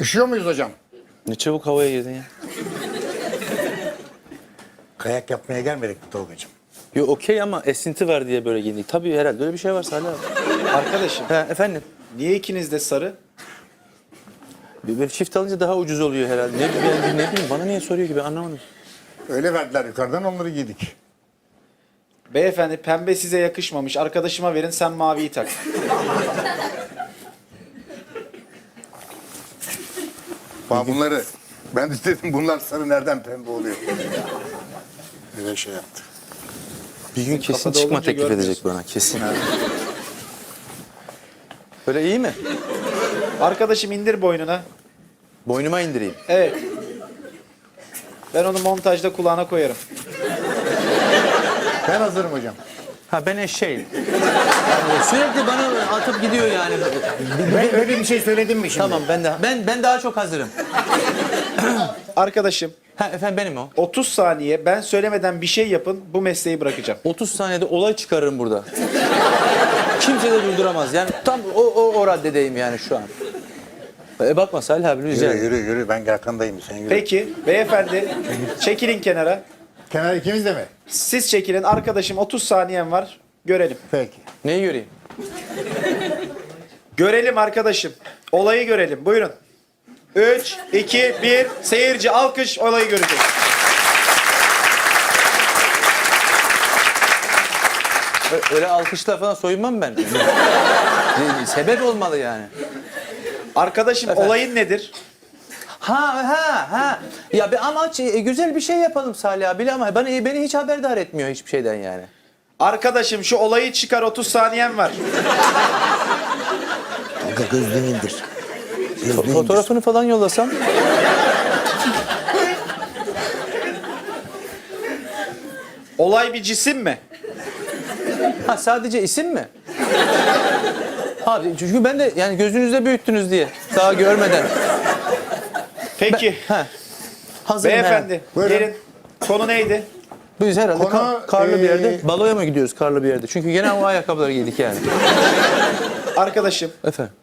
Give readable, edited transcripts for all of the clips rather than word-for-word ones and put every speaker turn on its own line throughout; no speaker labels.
Üşüyor muyuz hocam?
Ne çabuk havaya girdin ya.
Kayak yapmaya gelmedik mi Tolga'cığım?
Yo okey ama esinti var diye böyle giyindik. Tabii herhalde öyle bir şey var Salih abi.
Arkadaşım,
Ha, efendim?
niye ikiniz de sarı?
Bir çift alınca daha ucuz oluyor herhalde. Ne bileyim bana niye soruyor ki ben anlamadım.
Öyle verdiler yukarıdan, onları giydik.
Beyefendi, pembe size yakışmamış. Arkadaşıma verin, sen maviyi tak.
Bak bunları, ben de dedim bunlar sarı nereden pembe oluyor? Öyle şey yaptı.
Bir gün kesin
kafada
çıkma
olunca
teklif edecek
görmüyorsun.
bana kesin. Böyle iyi mi?
Arkadaşım indir boynuna.
Boynuma indireyim.
Evet. Ben onu montajda kulağına koyarım.
Ben hazırım hocam.
Ha ben eşeğim. Yani sürekli bana atıp gidiyor yani.
Ben öyle bir şey söyledim mi şimdi?
Tamam ben daha çok hazırım.
Arkadaşım,
Ha efendim benim o.
30 saniye ben söylemeden bir şey yapın, bu mesleği bırakacağım.
30 saniyede olay çıkarırım burada. Kimse de durduramaz. Yani tam o raddedeyim yani şu an. Bakma Salih abi rica
Yürü
ederim.
yürü, ben arkandayım, sen yürü.
Peki, beyefendi çekilin kenara.
Kenar ikimiz de mi?
Siz çekilin, arkadaşım 30 saniyen var. Görelim.
Peki.
Neyi göreyim?
Görelim arkadaşım. Olayı görelim. Buyurun. 3, 2, 1. Seyirci alkış, olayı görecek.
Öyle alkışla falan soyunmam ben. Sebep olmalı yani.
Arkadaşım olayın nedir?
Ha. Ya ama güzel bir şey yapalım Salih abi ama beni hiç haberdar etmiyor hiçbir şeyden yani.
Arkadaşım şu olayı çıkar, 30 saniyen var.
Tolga gözlüğünü indir.
Fotoğrafını falan yollasam.
Olay bir cisim mi?
Ha sadece isim mi? Abi çünkü ben de yani gözünüzde büyüttünüz diye daha görmeden.
Peki.
Hazırım
Beyefendi
Buyurun.
gelin. Konu neydi?
Biz herhalde
Konu,
karlı bir yerde baloya mı gidiyoruz karlı bir yerde? Çünkü gene o ayakkabıları giydik yani.
Arkadaşım
Efendim.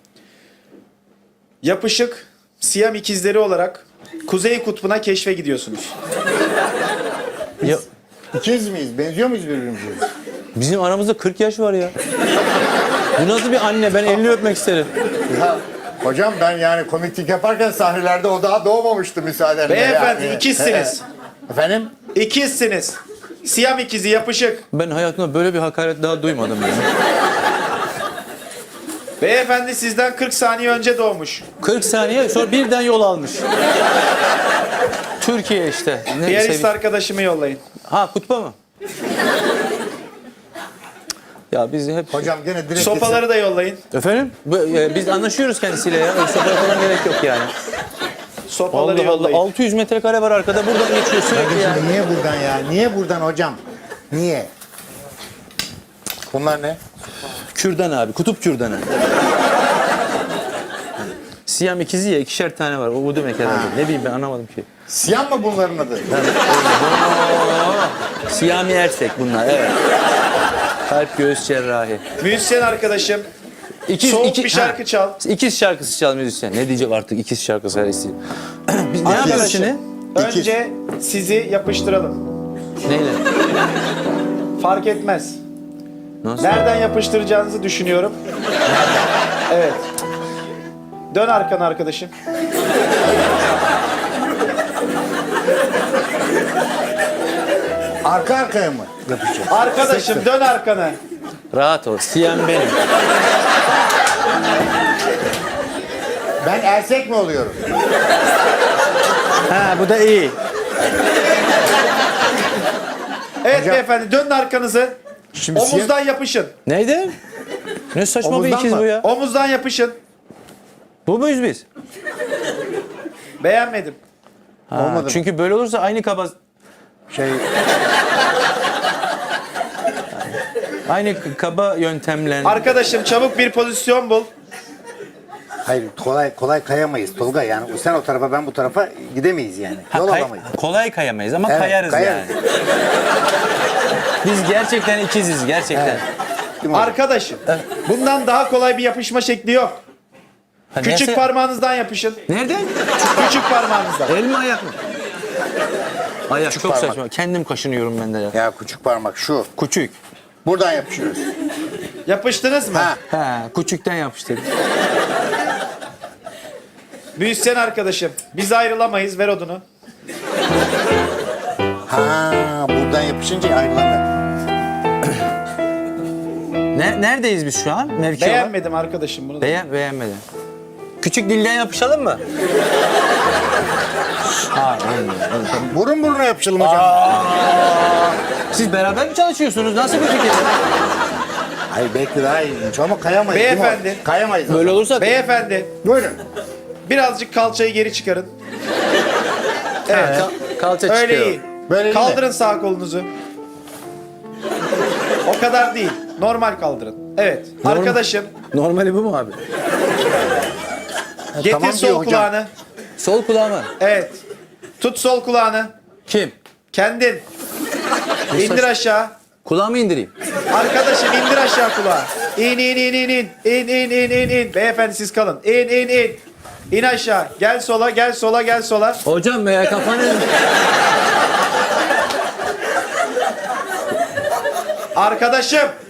yapışık Siyam ikizleri olarak Kuzey Kutbu'na keşfe gidiyorsunuz.
Ya,
İkiz miyiz? Benziyor muyuz birbirimize?
bizim aramızda 40 yaş var ya. Bu nasıl bir anne? Ben elini öpmek isterim.
Ya, hocam ben yani komiklik yaparken sahnelerde o daha doğmamıştı müsaadenle.
Beyefendi
yani.
ikizsiniz.
Efendim?
İkizsiniz. Siyam ikizi yapışık.
Ben hayatımda böyle bir hakaret daha duymadım yani.
Beyefendi sizden 40 saniye önce doğmuş.
40 saniye sonra birden yol almış. Türkiye işte. Ne
Piyanist arkadaşımı yollayın.
Ha kutba mı? Ya biz hep...
Hocam gene direkt...
Sopaları da yollayın.
Efendim? Biz anlaşıyoruz kendisiyle ya. Öyle sopaya falan gerek yok yani.
Sopaları
Allah Allah.
yollayın.
600 metrekare var arkada. Buradan geçiyor sürekli ya.
Niye buradan ya? Niye buradan hocam? Niye? Bunlar ne?
Kürdan abi. Kutup kürdanı. Siyam ikizi ya. 2'şer tane var. O demek herhalde. Ne bileyim ben anlamadım ki.
Siyah mı bunların adı?
Siyami Ersek bunlar. Evet. Kalp göğüs cerrahi.
Müzisyen arkadaşım. Soğuk bir şarkı çal.
İkiz şarkısı çal müzisyen. Ne diyecek artık ikiz şarkısı her isteği. Biz ne yapıyoruz şimdi?
Önce sizi yapıştıralım.
Neyle?
Fark etmez.
Nasıl?
Nereden yapıştıracağınızı düşünüyorum. Evet. Dön arkana arkadaşım.
Arka arkaya mı yapacağız?
Arkadaşım dön arkana.
Rahat ol. Siyam benim.
Ben ersek mi oluyorum?
Ha bu da iyi.
Evet
Hocam-
beyefendi dönün arkanızı.
Şimdi
Omuzdan yapışın.
Neydi? Ne saçma bir
Omuzdan
ikiz
mı?
bu ya.
Omuzdan yapışın.
Bu muyuz biz?
Beğenmedim.
Ha,
Olmadı mı?
çünkü böyle olursa aynı kaba... Aynı kaba yöntemle...
Arkadaşım çabuk bir pozisyon bul.
Hayır kolay kayamayız Tolga yani sen o tarafa ben bu tarafa gidemeyiz yani. Yol alamayız.
Kolay kayamayız ama
Evet,
kayarız
kayarız.
yani. Biz gerçekten ikiziz gerçekten.
Değil mi hocam?
Arkadaşım bundan daha kolay bir yapışma şekli yok.
Ha,
Küçük
neyse-
parmağınızdan yapışın.
Nereden?
Küçük parmağınızdan.
El mi ayak mı? Ayak çok
parmak.
saçma. Kendim kaşınıyorum ben de ya.
Ya küçük parmak şu.
Küçük.
Buradan yapışıyoruz.
Yapıştınız mı?
Ha.
Ha, küçükten yapıştırdım.
Müzisyen arkadaşım. Biz ayrılamayız. Ver odunu.
Ha, buradan yapışınca ayrılamıyor.
Neredeyiz biz şu an? Mevki olarak?
Beğenmedim arkadaşım bunu.
Beğenmedim. Küçük dilden yapışalım mı? Ha, olmuyor.
Burun buruna yapışalım hocam.
Siz beraber mi çalışıyorsunuz? Nasıl bir fikir?
Hayır belki daha ilginç ama kayamayız. değil mi?
Beyefendi.
Kayamayız.
Böyle olursa
Beyefendi.
Buyurun.
Birazcık kalçayı geri çıkarın. Evet.
kalça
Öyle
çıkıyor.
iyi.
Böyle iyi
Kaldırın sağ kolunuzu. O kadar değil. Normal kaldırın. Evet. Arkadaşım
Normali bu mu abi?
getir
tamam
sol
diyor hocam.
kulağını.
Sol kulağımı.
Evet. Tut sol kulağını.
Kim?
Kendin. İndir aşağı.
Kulağımı indireyim.
Arkadaşım indir aşağı kulağı. İn in in in in. İn in in in in. Beyefendi siz kalın. İn in in. İn aşağı. Gel sola gel sola gel sola.
Hocam ya kafanı...
Arkadaşım